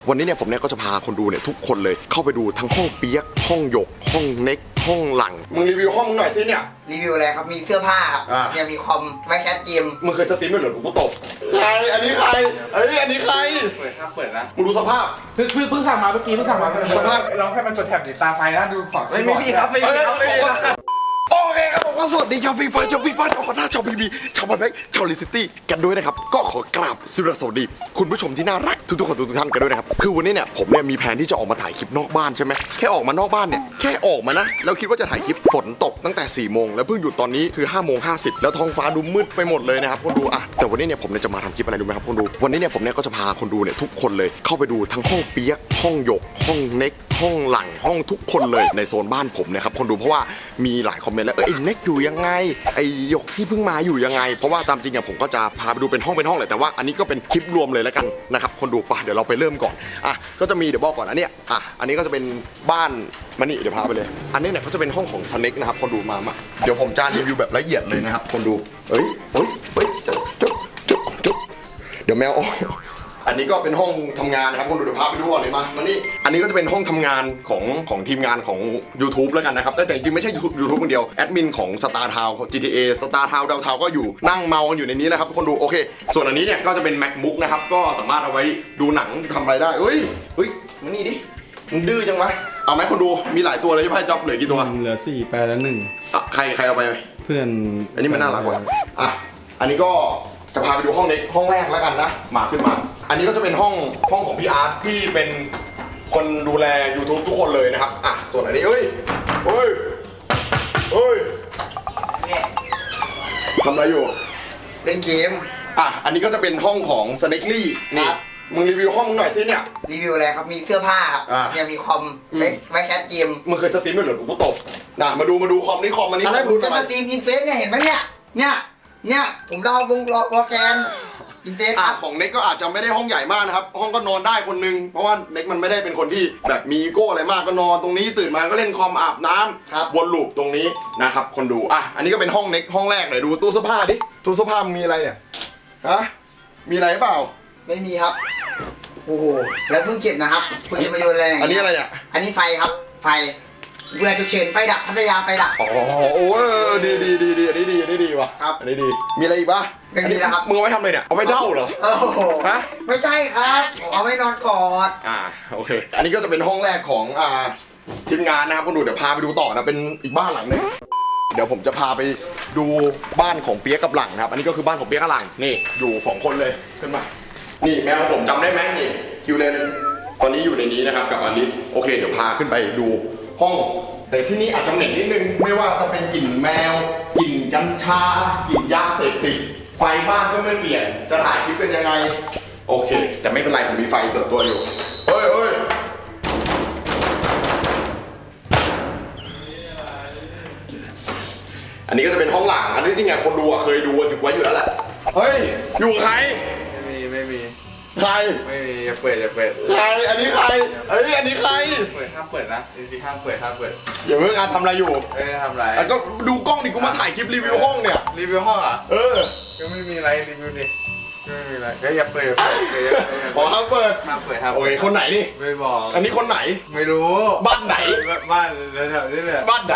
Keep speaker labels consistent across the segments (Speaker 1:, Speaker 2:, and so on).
Speaker 1: วันนี้เนี่ยผมเนี่ยก็จะพาคนดูเนี่ยทุกคนเลยเข้าไปดูทั้งห้องเปียกห้องหยกห้องเน็กห้องหลังมึงรีวิวห้องหน่อยสิเนี่ย
Speaker 2: รีวิวอะไรครับมีเสื้อผ้าครับยังมีคอมไว้แคสเกม
Speaker 1: มึงเคยสตรีมด้วยเหรอกูตบใครอันนี้ใครอันนี้ใคร
Speaker 3: เปิดครับเปิดนะ
Speaker 1: มึงดูสภาพ
Speaker 4: เพิ่งสั่งมาเมื่อกี้
Speaker 1: สภาพ
Speaker 3: ลองให้มันจดแถบติดตาไฟนะดูฝั่ง
Speaker 2: ไม่มีครับไม่มีครับ
Speaker 1: โอเคครับผมก็สวัสดีชาวฟีฟ่าชาวคอนด้าชาวพีบีชาวบอลแบ็กชาวลิซิตี้กันด้วยนะครับก็ขอกราบสวัสดีคุณผู้ชมที่น่ารักทุกคนทุกท่านกันด้วยนะครับคือวันนี้เนี่ยผมเนี่ยมีแผนที่จะออกมาถ่ายคลิปนอกบ้านใช่ไหมแค่ออกมานอกบ้านเนี่ยแค่ออกมานะแล้วคิดว่าจะถ่ายคลิปฝนตกตั้งแต่4 โมงแล้วเพิ่งหยุดตอนนี้คือ5:50แล้วท้องฟ้าดูมืดไปหมดเลยนะครับคนดูอ่ะแต่วันนี้เนี่ยผมเนี่ยจะมาทำคลิปอะไรดูไหมครับคนดูวันนี้เนี่ยผมเนี่ยก็จะพาคนดูเนี่ยทุกคนเลยเข้าไปดูทั้งห้องเปียกห้องหยกห้องเน็กห้องหลังห้องทุกคนเลยในโซนบ้านผมนะครับคนดูเพราะว่ามีหลายคอมเมนต์แล้วไอ้เน็กอยู่ยังไงไอ้หยกที่เพิ่งมาอยู่ยังไงเพราะว่าตามจริงอะผมก็จะพาไปดูเป็นห้องแหละแต่ว่าอันนี้ก็เป็นคลิปรวมเลยแล้วกันนะครับคนดูป่ะเดี๋ยวเราไปเริ่มก่อนอ่ะก็จะมีเดี๋ยวบอกก่อนอันเนี้ยอันนี้ก็จะเป็นบ้านมานี่เดี๋ยวพาไปเลยอันนี้เนี่ยก็จะเป็นห้องของสเน็กนะครับคนดูมาเดี๋ยวผมจะรีวิวแบบละเอียดเลยนะครับคนดูเฮ้ยจุ๊บเดี๋ยวแมวอันนี้ก็เป็นห้องทำงานนะครับคนดูเดี๋ยวพาไปดูก่อนเลยมานี่อันนี้ก็จะเป็นห้องทำงานของทีมงานของ YouTube แล้วกันนะครับแต่จริงๆไม่ใช่ YouTube คนเดียวแอดมินของ Star Town GTA Star Town ดาวเทาก็อยู่นั่งเมากันอยู่ในนี้นะครับคนดูโอเคส่วนอันนี้เนี่ยก็จะเป็น MacBook นะครับก็สามารถเอาไว้ดูหนังทำอะไรได้เฮ้ยมานี่ดิมึงดื้อจังวะเอาไหมคนดูมีหลายตัวเลยที่ไพ่จ็อบเหลือกี่ตัว
Speaker 4: เหลือ4แปลแล้ว1
Speaker 1: ใครเอาไป
Speaker 4: เพื่อน
Speaker 1: อันนี้มันน่ารักกว่าอันนี้ก็จะพาไปดูห้องนี้ห้องแรกแล้วกันนะมาขึ้นมาอันนี้ก็จะเป็นห้องของพี่อาร์ตที่เป็นคนดูแล YouTube ทุกคนเลยนะครับส่วนอันนี้เฮ้ยทำอะไรอยู่
Speaker 2: เล่นเกม
Speaker 1: อันนี้ก็จะเป็นห้องของ Snakely นี่มึงรีวิวห้องหน่อยสิเนี่ย
Speaker 2: รีวิวอะไรครับมีเสื้อผ้าครับยังมีคอมไว้แคสเกม
Speaker 1: มึงเคยสตรีมด้วยเหรอกูตบมาดูคอมนี่คอมอันนี้
Speaker 2: อะไรผมจะสตรีมอินเฟสเนี่ยเห็นไหมเนี่ยผมเราวงโปรแกรมอินเฟส
Speaker 1: ของเน็กก็อาจจะไม่ได้ห้องใหญ่มากนะครับห้องก็นอนได้คนนึงเพราะว่าเน็กมันไม่ได้เป็นคนที่แบบมีอีโก้อะไรมากก็นอนตรงนี้ตื่นมาก็เล่นคอมอาบน้ำวนลูปตรงนี้นะครับคนดูอันนี้ก็เป็นห้องเน็กห้องแรกเลยดูตู้เสื้อผ้าดิตู้เสื้อผ้ามีอะไรเนี่ยมีอะไรเปล่า
Speaker 2: ไม่มีครับโอ้โหแล้วเพิ่งเก็บนะครับคุณจะมาโยนแรง
Speaker 1: อันนี้อะไรเนี่ย
Speaker 2: อันนี้ไฟครับไฟเวลาฉุกเฉินไฟดับพัทยาไฟดับ
Speaker 1: โอ้ดีอันนี้ดีว่ะ
Speaker 2: ครับ
Speaker 1: อันนี้ดีมีอะไรอีกปะ
Speaker 2: ไม่มีแล้วครับ
Speaker 1: มึงเอาไว้ทำอะไรเนี่ยเอาไว้เด้าเหรอ
Speaker 2: ไม่ใช่ครับเอาไว้นอนกอด
Speaker 1: โอเคอันนี้ก็จะเป็นห้องแรกของทีมงานนะครับคุณดูเดี๋ยวพาไปดูต่อนะเป็นอีกบ้านหลังนึงเดี๋ยวผมจะพาไปดูบ้านของเปี๊ยกกับหลังนะครับอันนี้ก็คือบ้านของเปี๊ยกกับหลังนี่อยู่2 คนเลยขึ้นมานี่แมวผมจำได้ไหมนี่คิวเลนตอนนี้อยู่ในนี้นะครับกับอลิสโอเคเดี๋ยวพาขึ้นไปดูห้องแต่ที่นี่อาจจะเหม็นนิดนึงไม่ว่าจะเป็นกลิ่นแมวกลิ่นกัญชากลิ่นยาเสพติดไฟบ้านก็ไม่เปลี่ยนจะถ่ายคลิปเป็นยังไงโอเคแต่ไม่เป็นไรผมมีไฟส่วนตัวอยู่เฮ้ยอันนี้ก็จะเป็นห้องหลังอันนี้จริงๆคนดูเคยดูไว้อยู่แล้วแหละเฮ้ยอยู่ใคร
Speaker 3: ไม่มี
Speaker 1: ใคร
Speaker 3: ไม่มีอย่าเปิด
Speaker 1: ใครอันนี้ใครอันนี้ใคร
Speaker 3: เปิดห้ามเปิดนะจริงๆห้ามเปิด
Speaker 1: อย่าเพิ่งทำอะไรอยู่
Speaker 3: ทำอะไร
Speaker 1: ก็ดูกล้องดิกูมาถ่ายคลิปรีวิวห้องเนี่ย
Speaker 3: รีวิวห้องอ่ะก็ไม่มีอะไรรีวิวดิไม่มีอะไรก็อย่าเปิด
Speaker 1: บอกห้ามเปิดโอเคคนไหนนี่
Speaker 3: ไม่บอก
Speaker 1: อันนี้คนไหน
Speaker 3: ไม่รู้
Speaker 1: บ้านไหน
Speaker 3: บ้านแถวนี้แหละ
Speaker 1: บ้านไหน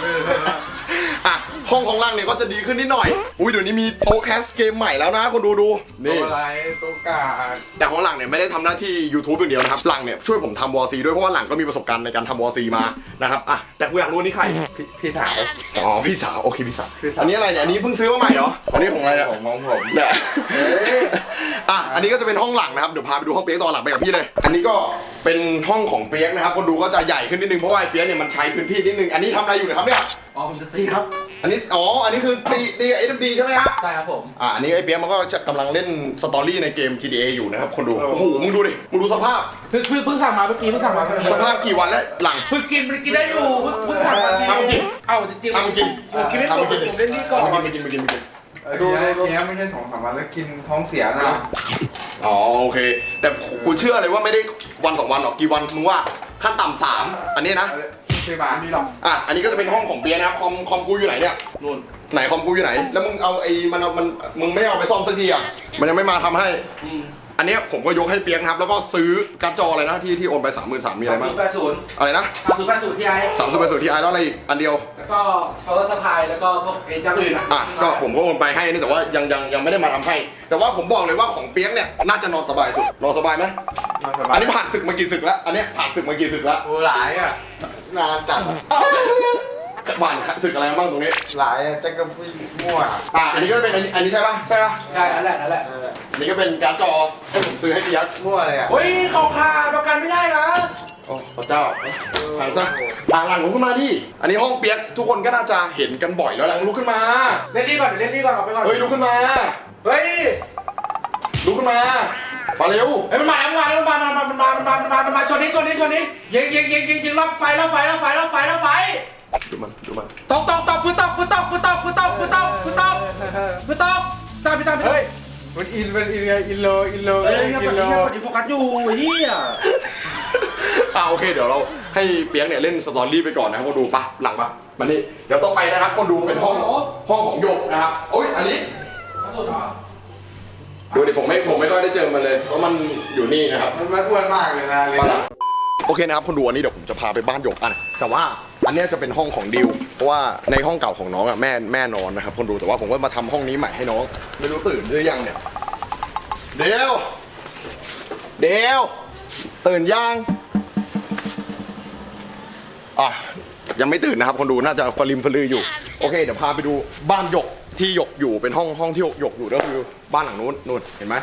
Speaker 1: ห้องของล่างเนี่ยก็จะดีขึ้นนิดหน่อยเดี๋ยวนี้มีโต๊ะแคสเกมใหม่แล้วนะคนดู
Speaker 3: นี่อะไรโต๊ะกา
Speaker 1: แต่ของหลังเนี่ยไม่ได้ทำหน้าที่ YouTube อย่างเดียวนะครับหลังเนี่ยช่วยผมทำวอร์ซีด้วยเพราะว่าหลังก็มีประสบการณ์ในการทำวอร์ซีมานะครับแต่กูอยากรู้นี่ใคร
Speaker 3: พี่สาว
Speaker 1: พี่สาวโอเคพี่สาวอันนี้อะไรเนี่ยอันนี้เพิ่งซื้อมาใหม่เหรออันนี้ของอะไรเนี่ย
Speaker 3: ของผม
Speaker 1: เนี่ยอันนี้ก็จะเป็นห้องหลังนะครับเดี๋ยวพาไปดูห้องเปี๊ยกตอนหลังไปกับพี่เลยอันนี้ก็เป็นห้องของเปี๊ยกนะครับคนดูก็จะใหญ่ขึ้นนิดนึงเพราะว่าเปี๊ยกเนี่ยมันใช้พื้นที่นิดนึงอันนี้ทำอะไรอยู่ครับเนี่ย
Speaker 4: ผมจะตีครับ
Speaker 1: อันนี้คือตีAMD ใช่ไหมครับ
Speaker 4: ใช่ครับผม
Speaker 1: อันนี้ไอ้เปี๊ยกมันก็จะกำลังเล่นสตอรี่ในเกม GTA อยู่นะครับคนดูโอ้โหมึงดูดิมึงดูสภาพ
Speaker 4: เพิ่งสั่งมาเมื่อกี้
Speaker 1: สภาพกี่วันแล้วหลัง
Speaker 4: เพิ่งกินได้อยู่เพิ่งสั่งมา
Speaker 1: จริง
Speaker 4: จริง
Speaker 1: กิน
Speaker 4: ไม่ตกผมเล่นนี่ก่อน
Speaker 1: กิน
Speaker 3: ดูนี้ไม่ใช่2-3 วันแล้วกินท้องเสียนะ
Speaker 1: โอเคแต่กูเชื่อเลยว่าไม่ได้วัน2 วันหรอกกี่วันมึงว่าขั้นต่ำ3อันนี้นะ
Speaker 3: ไม่บานนี่หรอก
Speaker 1: อันนี้ก็จะเป็นห้องของเปี๊ยกนะครับคอมกูอยู่ไหนเนี่ย
Speaker 4: นู่น
Speaker 1: ไหนคอมกูอยู่ไหนแล้วมึงเอามึงไม่เอาไปซ่อมสักทีมันยังไม่มาทำให้อันเนี้ยผมก็ยกให้เปียกนะครับแล้วก็ซื้อการ์ดจออะไรนะที่โอนไป 33,000มีอะไรบ้าง
Speaker 4: 3080
Speaker 1: อะไรนะ
Speaker 4: 3080 Ti
Speaker 1: 30 Ti แล้วอะไรอีกอันเดียว
Speaker 4: แล้วก็ power supply แล้วก็พวกอย่างอื่นอ่ะ
Speaker 1: อ่ะก็ผมก็โอนไปให้นี่แต่ว่ายังไม่ได้มาทำให้ แต่ว่าผมบอกเลยว่าของเปียกเนี่ยน่าจะนอนสบายสุดนอนสบายไหม
Speaker 3: มาสบาย
Speaker 1: อันนี้ผ่านศึกมากี่ศึกแล้วอันเนี้ยผ่านศึกมากี่ศึกแล้ว
Speaker 3: โอ้หลายอ่ะนานจัด
Speaker 1: ผ่านศึกอะไรบ้างตรงนี้
Speaker 3: หลายอ่ะจะกระพุ้ยมั่ว
Speaker 1: อันนี้ก็เป็นอันนี้ใช่ปะใช่ปะ
Speaker 4: ใช่นั่นแหละนั่นแหละ
Speaker 1: อันนี้ก็เป็นการ์ดจอให้ผมซื้อให้เปียก
Speaker 3: มั่วเลยอ่ะ
Speaker 4: เฮ้ยเขาขาดประกันไม่ได้นะ
Speaker 1: โอ้พระเจ้าทางซะหลังลุกขึ้นมาดิอันนี้ห้องเปียกทุกคนก็น่าจะเห็นกันบ่อยแล้วหลังลุกขึ้นมา
Speaker 4: เล่นนี่ก่อนเดี๋ยวเล่นนี่ก่อนเอาไปก่อน
Speaker 1: เฮ้ยลุกขึ้นมา
Speaker 4: เฮ้ย
Speaker 1: ลุกขึ้นมามาเร็ว
Speaker 4: เฮ้ยมันมาชนนี้ยิงรอบไฟรอบไฟ
Speaker 1: ดูมัน
Speaker 4: ตกพื้นตกตามพี่ตาม
Speaker 3: เฮ้ยมันอินไงอินโล
Speaker 4: เฮ้ย
Speaker 3: อินโล
Speaker 4: ดิโฟกัสอยู่เฮีย
Speaker 1: โอเคเดี๋ยวเราให้เปียกเนี่ยเล่นสตอรี่ไปก่อนนะครับคนดูปะหลังปะมานี่เดี๋ยวต่อไปนะครับคนดูเป็นห้องของหยกนะครับโอ้ยอันนี้ดูดิผมไม่ค่อยได้เจอมันเลยเพราะมันอยู่นี่นะครับ
Speaker 3: มันอ้วนมากเลยนะเลย
Speaker 1: มาละโอเคนะครับคนดูอันนี้เดี๋ยวผมจะพาไปบ้านหยกแต่ว่าอันเนี้ยจะเป็นห้องของดิวเพราะว่าในห้องเก่าของน้องอ่ะแม่นอนนะครับคนดูแต่ว่าผมก็มาทำห้องนี้ใหม่ให้น้องไม่รู้ตื่นหรือยังเนี่ยเดี๋ยวตื่นยังยังไม่ตื่นนะครับคนดูน่าจะฟลิมฟลืออยู่โอเคเดี๋ยวพาไปดูบ้านหยกที่หยกอยู่เป็นห้องที่หยกอยู่ก็คือบ้านหลังนู้นเห็นไหม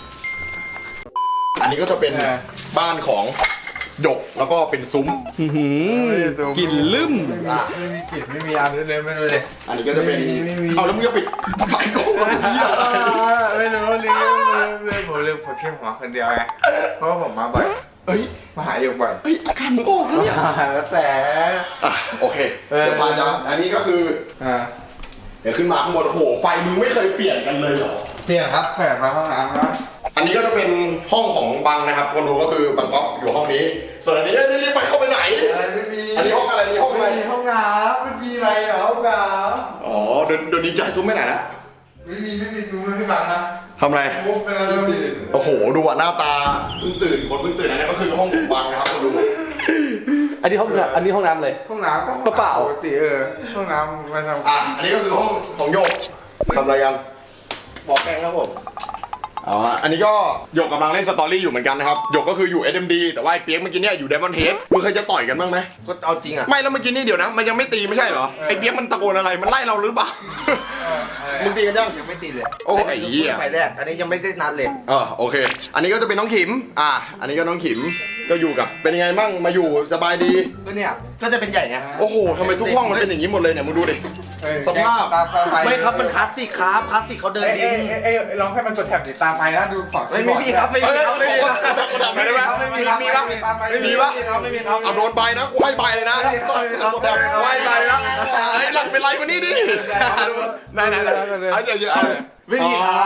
Speaker 1: อันนี้ก็จะเป็นบ้านของหยกแล้วก็เป็นซุ้ม
Speaker 3: กลิ่นลืมไม่มีกลิ่นไม่มีอันด้วยเลยไม่รู้เลย
Speaker 1: อันนี้ก็จะเป็นเอาแล้วมึงจะปิดไฟกู
Speaker 3: ไม่รู้เลยผมแค่หัวคนเดียวไงเพราะว่าผมมาบ่อย
Speaker 1: เฮ้ย
Speaker 3: มาหาอยู่บ่อย
Speaker 1: อาการมึงโอ้แล้วเนี่ย
Speaker 3: แต่
Speaker 1: โอเคเดี๋ยวพาจะอันนี้ก็คือเดี๋ยวขึ้นมาข้างบนโอ้โหไฟมึงไม่เคยเปลี่ยนกันเลยเหรอ
Speaker 3: เสี่ยงครับแฝงมาห้องน้ำนะ
Speaker 1: อันนี้ก็จะเป็นห้องของบังนะครับคนดูก็คือบังก๊อกอยู่ห้องนี้ ส่วนอันนี้รีบไปเข้าไปไหน
Speaker 3: ไม่มี
Speaker 1: อันนี้ห้องอะไรนี่ห้องอะไร
Speaker 3: ห้องน้ำไม่มีอะไรเหรอห้องน้
Speaker 1: อ๋อเดี๋ยวนี้ย้ายซุ้มไปไหนนะ
Speaker 3: ำไม่มีซูมไม่บังนะ
Speaker 1: ทำอะไร
Speaker 3: มุกเลยตื่น
Speaker 1: โอ้โหดูอ่ะหน้าตาเพิ่งตื่นคนเพิ่งตื่นอันนี้ก็คือห้องของบังนะครับคนดู
Speaker 4: อันนี้ห้องน้ำเลย
Speaker 3: ห้องน้ำก็
Speaker 4: เปล่า
Speaker 3: ปกติห้องน้ำมาทำ
Speaker 1: อันนี้ก็คือห้องของโยกทำอะไรกัน
Speaker 4: บอกแกงครับผม
Speaker 1: อันนี้ก็หยกกำลังเล่นสตอรี่อยู่เหมือนกันนะครับหยกก็คืออยู่ SMD แต่ว่าไอ้เปียกเมื่อกี้เนี่ยอยู่ Diamond Head มึงเคยจะต่อยกันบ้างไหม
Speaker 2: ก็เอาจริงอ่ะ
Speaker 1: ไม่แล้วเมื่อกี้นี่เดี๋ยวนะมันยังไม่ตีไม่ใช่เหรอไอ้เปียกมันตะโกนอะไรมันไล่เราหรือเปล่ามึงตีกันยัง
Speaker 2: ยังไม่ตีเลย
Speaker 1: โอ้ยไอ้เหี้ย
Speaker 2: ไฟแรกอันนี้ยังไม่ได้นัดเลย
Speaker 1: โอเค อันนี้ก็จะเป็นน้องขิมอันนี้ก็น้องขิมก็อยู่กับเป็นยังไงบ้างมาอยู่สบายดี
Speaker 2: ก็เนี่ยก็จะเป็นใหญ่ไง
Speaker 1: โอ้โหทำไมทุกห้องมันเป็นอย่างนี้หมดเลยเนี่ยมึงดูดิสภาพ
Speaker 2: ตาไฟไม่ครับมันคลาสสิกครับคลาสสิกเขาเดินดิน
Speaker 3: ลองให้มันกดแท็บติดตาไฟนะดูฝั่ง
Speaker 2: ไม่มีครับไม่มีครับไม่มีครับ
Speaker 1: ทำไงได้ไหม
Speaker 2: ไม่มีครับ
Speaker 1: มีปะ
Speaker 2: ไม่มีครับไม่มีครับ
Speaker 1: เอาโดนใบนะกูให้ใบเลยนะให้ใบนะไอ้หลังเป็นไรมานี่ดิไหนเอาเดี๋ยว
Speaker 2: ไม่มีครับ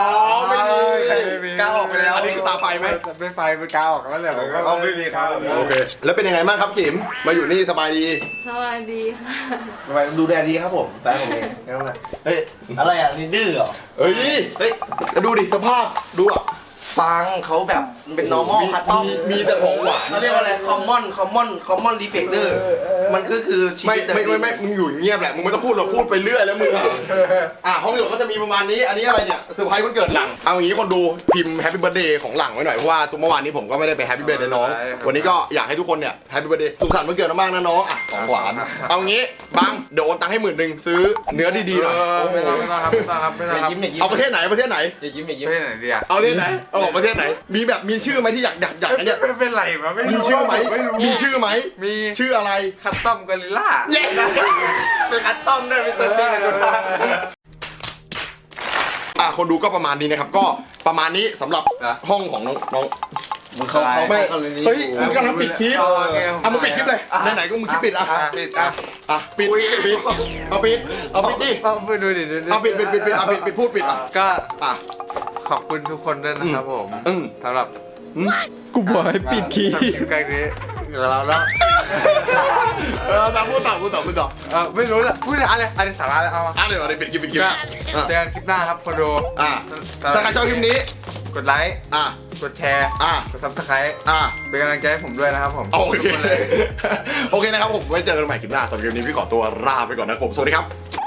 Speaker 1: ไม่มี
Speaker 2: กล้าออกไปแล้ว
Speaker 1: อันนี้คือตาไฟไหม
Speaker 3: ไม่ไฟเป็นกาวออกแล้วแหละ
Speaker 2: ไม่มีครับ
Speaker 1: โอเคแล้วเป็นยังไงบ้างครับจิ๋มมาอยู่นี่สบายดี
Speaker 5: สวัสดีค่ะ
Speaker 2: ทำไมดูแลดีครับผมแฟนผมเองเฮ้ยอะไรอ่ะนี่ดื้อเหรอ
Speaker 1: เฮ้ย
Speaker 2: เฮ้ย
Speaker 1: แล้วดูดิสภาพดูอ่ะ
Speaker 2: ปังเขาแบบเป็น normal คัตตอม
Speaker 1: มีแต่ของหวาน
Speaker 2: เขาเรียกว่าอะไร common reflector มันก็คือชี
Speaker 1: ไม่
Speaker 2: วิตเดิ
Speaker 1: ไม่มึงอยู่เงียบแหละมึงไม่ต้องพูดหรอกพูดไปเรื่อยแล้วมึงห้องหยกก็จะมีประมาณนี้อันนี้อะไรเนี่ยเซอร์ไพรส์วันเกิดหลังเอาอย่างนี้คนดูพิมพ์แฮปปี้เบิร์ดเดย์ของหลังไว้หน่อยเพราะว่าตัวเมื่อวานนี้ผมก็ไม่ได้ไปแฮปปี้เบิร์ดเดย์น้องวันนี้ก็อยากให้ทุกคนเนี่ยแฮปปี้เบิร์ดเดย์สุขสันต์วันเกิดมากๆนะน้องของหวานเอางี้บังเดี๋ยวโอนตังค์ให้10,000ซื้อเนื้อดีๆหน่อย
Speaker 3: ไม่ต้องครับไม่ต้องครับไม่ต้องครับ
Speaker 2: ยิ้มอย่ายิ้ม
Speaker 1: เอาประเทศไหนประเทศไหน
Speaker 2: อย่ายิ้มอย่ายิ้ม
Speaker 3: ไม่ไหนดีอ่ะ
Speaker 1: เอาประเทศไหนเอาของประเทศไหนมีแบบมีชื่อไหมที่อยากอันเนี้ย
Speaker 3: ไม่เป็นไรวะไม่
Speaker 1: มี
Speaker 3: รู้
Speaker 1: ชื่อไหม
Speaker 3: ไม่รู้
Speaker 1: มีชื่อไหม
Speaker 3: มี
Speaker 1: ชื่ออะไร
Speaker 3: คัตตอมกอริลล่า
Speaker 1: เย้
Speaker 2: เป็นคัตตอมด้วยเป็นตัวจริงเลยคุณป้า
Speaker 1: คนดูก็ประมาณนี้นะครับก็ประมาณนี้สำหรับห้องของน้อง
Speaker 2: มึงเขา
Speaker 1: ไม่
Speaker 2: เขาเลยนี้
Speaker 1: เฮ้ยมึงกำลังปิดคลิปมึงปิดคลิปเลยไหนๆก็มึงคลิปปิด
Speaker 3: ปิด
Speaker 1: ปิดเอาปิดดิ
Speaker 3: ไปดูดิ
Speaker 1: เอาปิดพูดปิด
Speaker 3: ก็
Speaker 1: อ่ะ
Speaker 3: ขอบคุณทุกคนด้วยนะครับผม สำหรับ
Speaker 4: กูบอกให้ปิดคีย์
Speaker 3: ทำคลิปใกล้นี้เดี๋ยวเราแล้ว
Speaker 1: พูดต่อ
Speaker 3: ไม่รู้ละพูดอะไรอันนี้สาระแล้วเอามา
Speaker 1: เดี๋ยวปิดคลิป
Speaker 3: เจอกันคลิปหน้าครับคนดู
Speaker 1: ถ้าใครชอบคลิปนี้
Speaker 3: กดไลค์
Speaker 1: อ่ะ
Speaker 3: กดแชร์ กด subscribe เป็นกำลังใจให้ผมด้วยนะครับผม
Speaker 1: โอเค
Speaker 3: ทุกคนเลย
Speaker 1: โอเคนะครับผมไว้เจอกันใหม่คลิปหน้าสำหรับคลิปนี้พี่ขอตัวลาไปก่อนนะครับผมสวัสดีครับ